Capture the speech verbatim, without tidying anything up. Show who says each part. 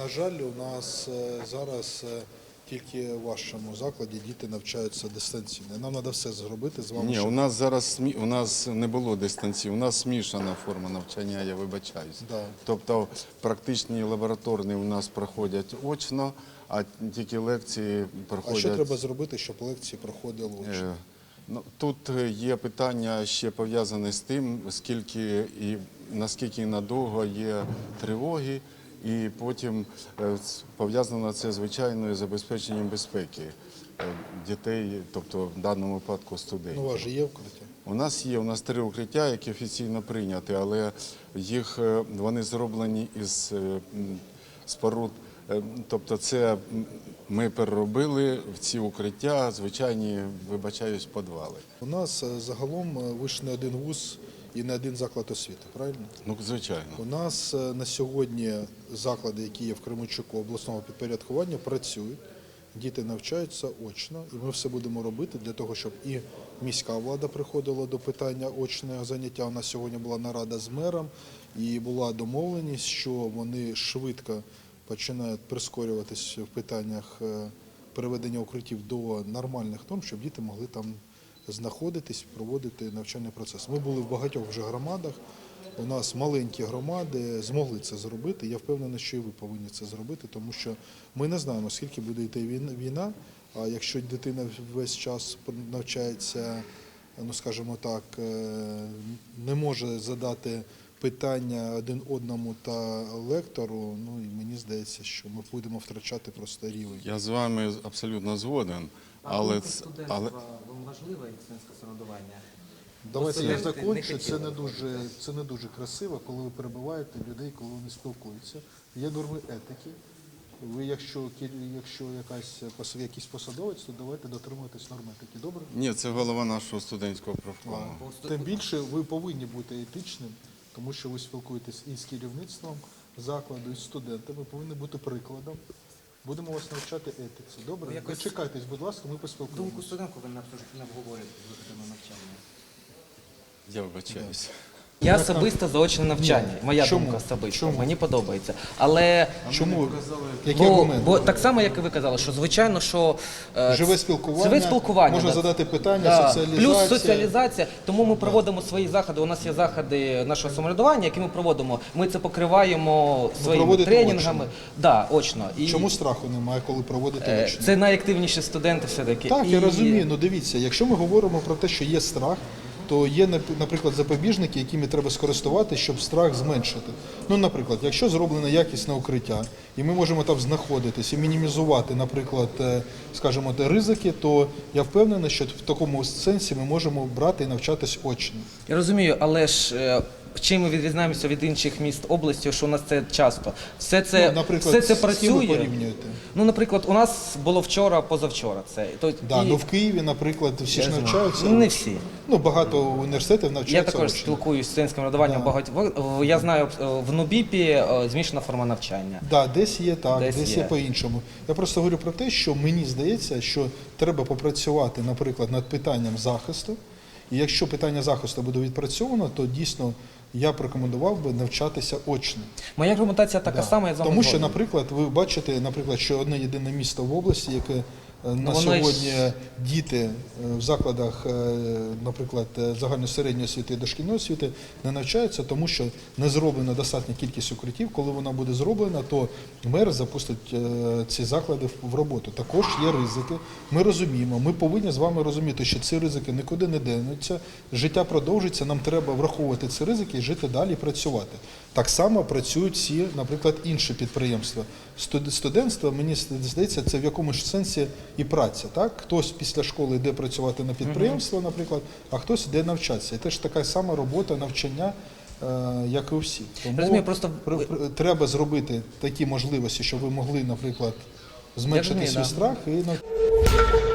Speaker 1: На жаль, у нас зараз тільки в вашому закладі діти навчаються дистанційно. Нам треба все зробити з вами.
Speaker 2: Ні,
Speaker 1: щоб...
Speaker 2: у нас зараз у нас не було дистанції, у нас змішана форма навчання, я вибачаюсь. Да. Тобто практичні лабораторні у нас проходять очно, а тільки лекції проходять...
Speaker 1: А що треба зробити, щоб лекції проходили очно? Е,
Speaker 2: ну, тут є питання ще пов'язане з тим, скільки і наскільки надовго є тривоги. І потім пов'язано це звичайно з забезпеченням безпеки дітей, тобто в даному випадку студентів.
Speaker 1: Ну, у вас же є укриття?
Speaker 2: У нас є, у нас три укриття, які офіційно прийняті, але їх, вони зроблені із споруд, тобто це ми переробили в ці укриття, звичайні, вибачаюсь, підвали.
Speaker 1: У нас загалом ви ж не один вуз і не один заклад освіти, правильно?
Speaker 2: Ну, звичайно.
Speaker 1: У нас на сьогодні заклади, які є в Кременчуку обласного підпорядкування, працюють, діти навчаються очно, і ми все будемо робити для того, щоб і міська влада приходила до питання очного заняття. У нас сьогодні була нарада з мером, і була домовленість, що вони швидко починають прискорюватись в питаннях переведення укриттів до нормальних норм, щоб діти могли там знаходитись, проводити навчальний процес. Ми були в багатьох вже громадах, у нас маленькі громади змогли це зробити. Я впевнений, що і ви повинні це зробити, тому що ми не знаємо, скільки буде йти війна, а якщо дитина весь час навчається, ну скажімо так, не може задати питання один одному та лектору, ну і мені здається, що ми будемо втрачати просто рівень.
Speaker 2: Я з вами абсолютно згоден.
Speaker 3: Але, але... вам важливе студентське самоврядування?
Speaker 1: Давайте я закінчу. Це не дуже, це не дуже красиво, коли ви перебиваєте людей, коли вони спілкуються. Є норми етики. Ви, якщо, якщо якась, якийсь посадовець, то давайте дотримуватись норм етики. Добре?
Speaker 2: Ні, це голова нашого студентського профкому.
Speaker 1: Тим більше ви повинні бути етичним, тому що ви спілкуєтесь і з керівництвом закладу, і з студентами, ви повинні бути прикладом. Будемо вас навчати етиці. Добре? Якось... Дочекайтесь, будь ласка, ми поспілкуємося.
Speaker 3: Думку студентку ви не обговорюєте з навчання.
Speaker 2: Я вибачаюся.
Speaker 3: Я особисто за очне навчання. Моя
Speaker 1: Чому?
Speaker 3: думка особиста.
Speaker 1: Чому?
Speaker 3: Мені подобається. Але
Speaker 1: чому? Які
Speaker 3: бо,
Speaker 1: аргументи?
Speaker 3: бо так само, як і ви казали, що звичайно, що е,
Speaker 1: живе спілкування,
Speaker 3: живе спілкування
Speaker 1: можна
Speaker 3: да.
Speaker 1: задати питання,
Speaker 3: да.
Speaker 1: соціалізація.
Speaker 3: Плюс соціалізація. Тому ми проводимо да. свої заходи. У нас є заходи нашого самоврядування, які ми проводимо. Ми це покриваємо своїми тренінгами.
Speaker 1: Очно.
Speaker 3: Да, очно. І
Speaker 1: чому страху немає, коли проводити очно?
Speaker 3: Це найактивніші студенти все-таки.
Speaker 1: Так,
Speaker 3: і...
Speaker 1: я розумію. Ну дивіться, якщо ми говоримо про те, що є страх, то є, наприклад, запобіжники, якими треба скористувати, щоб страх зменшити. Ну, наприклад, якщо зроблено якісне укриття, і ми можемо там знаходитись і мінімізувати, наприклад, скажімо, ризики, то я впевнений, що в такому сенсі ми можемо брати і навчатись очно.
Speaker 3: Я розумію, але ж чим ми відрізняємося від інших міст області, що у нас це часто. Все це,
Speaker 1: ну, наприклад,
Speaker 3: все це
Speaker 1: з ким
Speaker 3: працює.
Speaker 1: ви порівнюєте?
Speaker 3: Ну, наприклад, у нас було вчора, позавчора. Це. То,
Speaker 1: да,
Speaker 3: і...
Speaker 1: ну в Києві, наприклад, всі ж навчаються.
Speaker 3: Ну, не всі.
Speaker 1: Ну, багато університетів навчаються.
Speaker 3: Я також
Speaker 1: очно.
Speaker 3: спілкуюся з студентським радуванням
Speaker 1: да.
Speaker 3: багатьох. Я знаю, в НУБІПі змішана форма навчання.
Speaker 1: Так, да, десь є так, десь, десь є, є по-іншому. Я просто говорю про те, що мені здається, що треба попрацювати, наприклад, над питанням захисту. І якщо питання захисту буде відпрацьовано, то дійсно я б рекомендував би навчатися очно.
Speaker 3: Моя аргументація така да. сама, я з вами
Speaker 1: Тому що,
Speaker 3: згоден.
Speaker 1: наприклад, ви бачите, наприклад, що одне єдине місто в області, яке на
Speaker 3: ну,
Speaker 1: сьогодні ж... діти в закладах, наприклад, загальної середньої освіти і дошкільної освіти не навчаються, тому що не зроблена достатня кількість укриттів. Коли вона буде зроблена, то мер запустить ці заклади в роботу. Також є ризики. Ми розуміємо, ми повинні з вами розуміти, що ці ризики нікуди не денуться, життя продовжиться, нам треба враховувати ці ризики і жити далі і працювати. Так само працюють всі, наприклад, інші підприємства. Студентство, мені здається, це в якомусь сенсі і праця. Так? Хтось після школи йде працювати на підприємство, наприклад, а хтось йде навчатися. І теж така сама робота, навчання, як і у всіх. Тому
Speaker 3: розумію, просто...
Speaker 1: треба зробити такі можливості, щоб ви могли, наприклад, зменшити свій страх і навчатися.